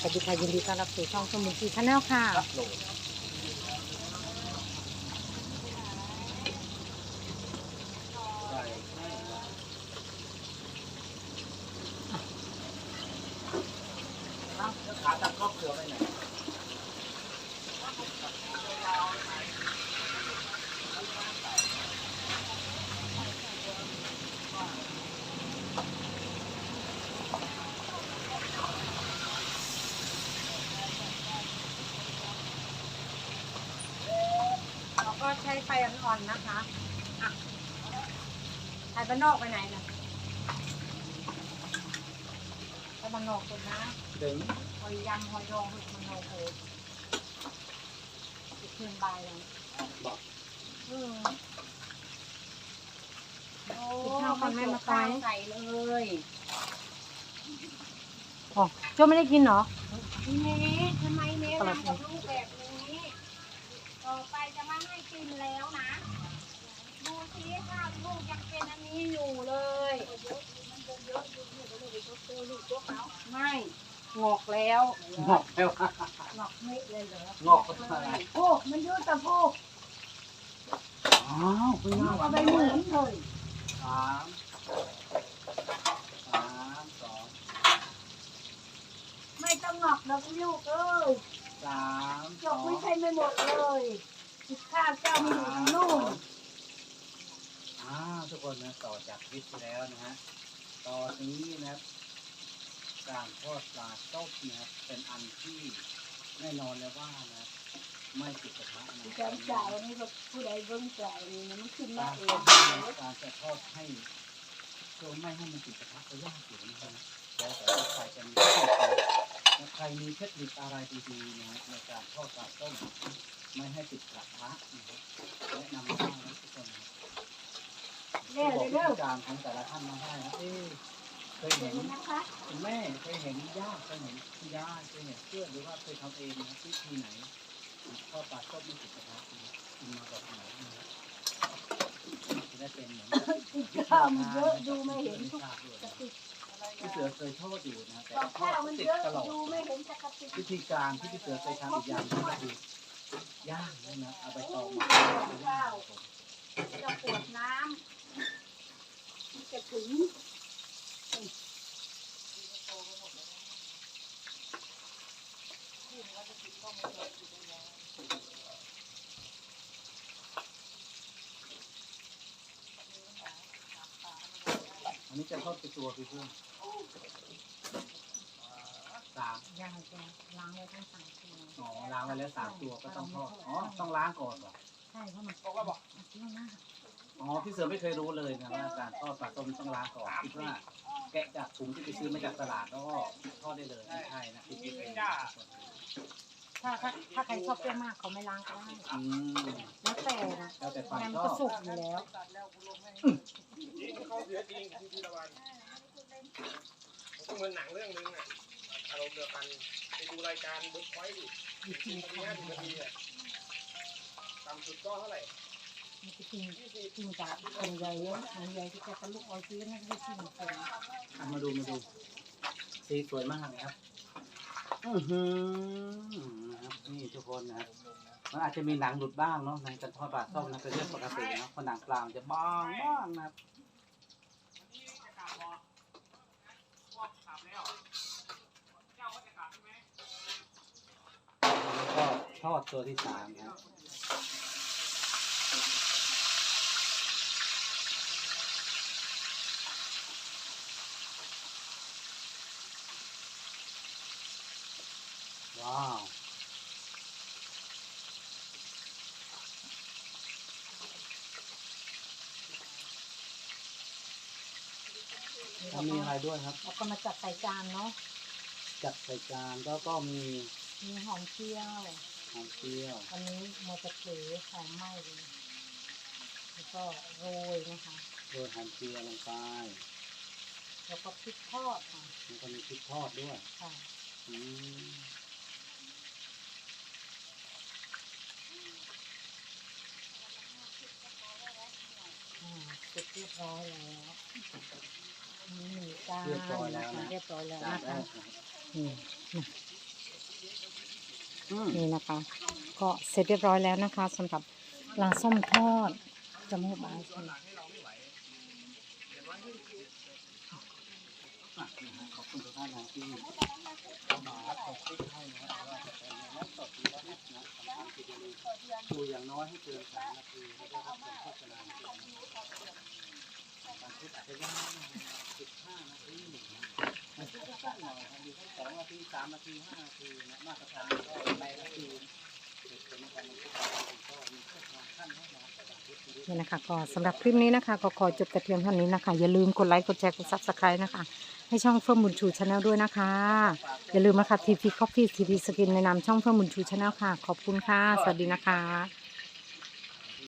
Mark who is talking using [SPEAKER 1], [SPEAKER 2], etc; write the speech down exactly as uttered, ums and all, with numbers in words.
[SPEAKER 1] สวัสดีค่ะยินดีต้อนรับสู่ช่องสมุนทีชาแนลค่ะ
[SPEAKER 2] ขาตัดครอบเสือไปไหน
[SPEAKER 1] เราก็ใช้ไฟอ่อนๆนะคะอ่ะไฟบ้านนอกไปไหนนะไฟบ้านนอกสุดนะ
[SPEAKER 2] ถึง
[SPEAKER 1] หอยยำหอยดองหอยมันโอเคอีกเพียงใบเลย
[SPEAKER 2] บอก
[SPEAKER 1] อืมกินข้าวก่อนแม่มาตายใส่เลยอ๋อโจ้ไม่ได้กินเหรอเน่ทำไมเน่ทำกับลูกแบบนี้ต่อไปจะไม่ให้กินแล้วนะดูสิข้าวลูกยังเป็นอันนี้อยู่เลยไม่งอกแล้ว
[SPEAKER 2] งอกแล้ว
[SPEAKER 1] งอกไม่เลยเหรอง
[SPEAKER 2] อกก็อะไร
[SPEAKER 1] โอ้มันยืดตะโพก
[SPEAKER 2] อ้าวคุณน้า
[SPEAKER 1] เอาไปหมุนเลย
[SPEAKER 2] สามสามสอง
[SPEAKER 1] ไม่ต้องงอกดอกลูกเอ้ย
[SPEAKER 2] สามส
[SPEAKER 1] จ
[SPEAKER 2] อก ง
[SPEAKER 1] ไม่ใช่ไม่หมดเลยข้าวเจ้ามีอยู่ในนู่น
[SPEAKER 2] อ้าวทุกคนนะต่อจากคลิปที่แล้วนะฮะตอนนี้นะครับการทอดปลาต้มนะครับเป็นอันที่แน่นอนเลยว่านะไม่ติดกระทะนะค
[SPEAKER 1] กา
[SPEAKER 2] รับ
[SPEAKER 1] รจ่ายนี่ก็ผู้ใดเบิ่งจ่ายนี่มันขึ้นมา
[SPEAKER 2] การ
[SPEAKER 1] เอ
[SPEAKER 2] ทอด
[SPEAKER 1] ง
[SPEAKER 2] ให้การจะทอดให้ตัวไม่ให้มันติดกระทะก็ยากอยู่นะครับแล้วแต่ว่าใครจะมีเทคนิคใครมีเทคนิคอะไรดีๆนะในการทอดปลาต้มไม่ให้ติดกระทะนะครับแนะนำมาได้นะทุกคนนะบอกวิธีการของแต่ละท่านมาได้นะเอ๊ะเคยเห็น
[SPEAKER 1] นะคะ
[SPEAKER 2] คุณแม่เคยเห็นย่าเคยเห็นคุณยายเคยเห็นเพื่อนหรือว่าเคยทำเองนะวิธีไหนทอดปลาต้มไม่ติดกระทะคุณมาบอกไหนนะจะได้เป็นเหมือน
[SPEAKER 1] ข้าวมันเยอะดูไม่เห็นทุกกระติก
[SPEAKER 2] พี่เสือเคยทอดอยู่นะแต่
[SPEAKER 1] กับ
[SPEAKER 2] ทอ
[SPEAKER 1] ข้า
[SPEAKER 2] ด
[SPEAKER 1] วมัน
[SPEAKER 2] ติด
[SPEAKER 1] เยอะ
[SPEAKER 2] ตลอด
[SPEAKER 1] ดูไม่เห็นสักกระติก
[SPEAKER 2] วิธีการที่พี่เสือเคยทำอีกอย่างนึงก็คือย่างนะเอาไปตองมาย่าง
[SPEAKER 1] จะปวดน้ำจะถึง
[SPEAKER 2] อันนี้จะทอดเป็นตัวพี่เพื่อนสาม
[SPEAKER 1] ยังจะล้างไว้ทั้งสามตัว
[SPEAKER 2] อ๋อล้างไว้แล้วสามตัวก็ต้องทอดอ๋อต้องล้างก่อนเหรอ
[SPEAKER 1] ใช่เพราะมันบอกว่าบอกเที่ยวหน้า
[SPEAKER 2] อ๋อพี่เสือไม่เคยรู้เลยนะว่าการทอดปลาต้มต้องล้างก่อนคิดว่าแกะจากถุงที่ไปซื้อมาจากตลาดแล้วก็ทอดได้เลยไม่ใช่นะคิดผิดเอง
[SPEAKER 1] ถ้าถ้าถ้าใครชอบเปรี้ยวมากเขาไม่ล้างก็ได้
[SPEAKER 2] อืม
[SPEAKER 1] แล้วแต่นะ
[SPEAKER 2] แล้วแต่ความ
[SPEAKER 1] งั้น
[SPEAKER 2] ช
[SPEAKER 1] ก็
[SPEAKER 2] อบ
[SPEAKER 1] สุกอยู่แล้ว
[SPEAKER 3] เขาเสียจริงที่ทีละวันผมก็เหมือนหนังเรื่องนึงอ่ะอารมณ์เดียวกันไปดูรายการเบิร์ดพอยต์ดิสี่นาทีห้าสิบนาทีอ่ะต่ำสุดก็เท่าไหร่
[SPEAKER 1] มันจะกินกินจากคนใหญ่เยอะคนใหญ่ที่จะกระลุกเอาซื้อนั่นไม่กินคน
[SPEAKER 2] อ่ะมาดูมาดูสีสวยมากนะครับอือหือนะครับนี่ทุกคนนะครับมันอาจจะมีหนังหลุดบ้างเนาะในการทอดปลาต้มนะเป็นเรื่องปกติเนาะเพราะหนังปลามันจะบางบ้างนะครับแล้วก็ทอดตัวที่สามนะครับว้าวแล้วมีอะไรด้วยครับ
[SPEAKER 1] แล้วก็มาจัดใส่จานเนาะ
[SPEAKER 2] จัดใส่จานแล้วก็มี
[SPEAKER 1] มีหอมเจียว
[SPEAKER 2] หอมเจียว
[SPEAKER 1] อันนี้โมจะเขือหอมไหม้เลยแล้วก็โรยนะคะ
[SPEAKER 2] โรยหอมเจียวลงไป
[SPEAKER 1] แล้วก็พริกทอดค่ะ
[SPEAKER 2] แล้วก็มีพริกทอดด้วย
[SPEAKER 1] ค่ะ
[SPEAKER 2] อืม
[SPEAKER 1] อ่าเสร็จเรียบร้อยแล้วมีหมูจาน
[SPEAKER 2] เรียบร้อยแล้วนะ
[SPEAKER 1] เรียบร้อยแล้ว
[SPEAKER 2] จาน
[SPEAKER 1] นะ
[SPEAKER 2] แร
[SPEAKER 1] คะ
[SPEAKER 2] กนะครับ
[SPEAKER 1] นี่
[SPEAKER 2] อืม
[SPEAKER 4] นี่นะคะ ก็เสร็จเรียบร้อยแล้วนะคะสำหรับปลาส้มทอดจมูกบาใช่ไหม
[SPEAKER 2] อ่ะนะฮะขอบคุณทุกท่านนะที่เข้ามารับชมคลิปให้นะครับว่าจะเป็นในนั้นสดหรือว่าแอปนะสำคัญที่จะมีดูอย่างน้อยให้เกินสามนาทีแล้วก็รับชมโฆษณาบางคลิปอาจจะยาวหน่อยสิบห้านาทีบางคลิปก็สั้นหน่อยบางทีก็สองนาทีสามนาทีห้านาทีนะมาตรฐานก็ในนาทีเป็นการบันทึกก็มีโฆษณาขั้นให้นะแต่บางคลิป
[SPEAKER 4] นี่นะคะก็สำหรับคลิปนี้นะคะก็ขอจบแต่เพียงเท่านี้นะคะอย่าลืมกดไลค์กดแชร์กดซับสไครต์นะคะให้ช่องเฟิร์มบุญชูชาแนลด้วยนะคะอย่าลืมนะคะทีพีคอฟฟี่ทีพีสกินในนามช่องเฟิร์มบุญชูชาแนลค่ะขอบคุณค่ะสวัสดีนะคะ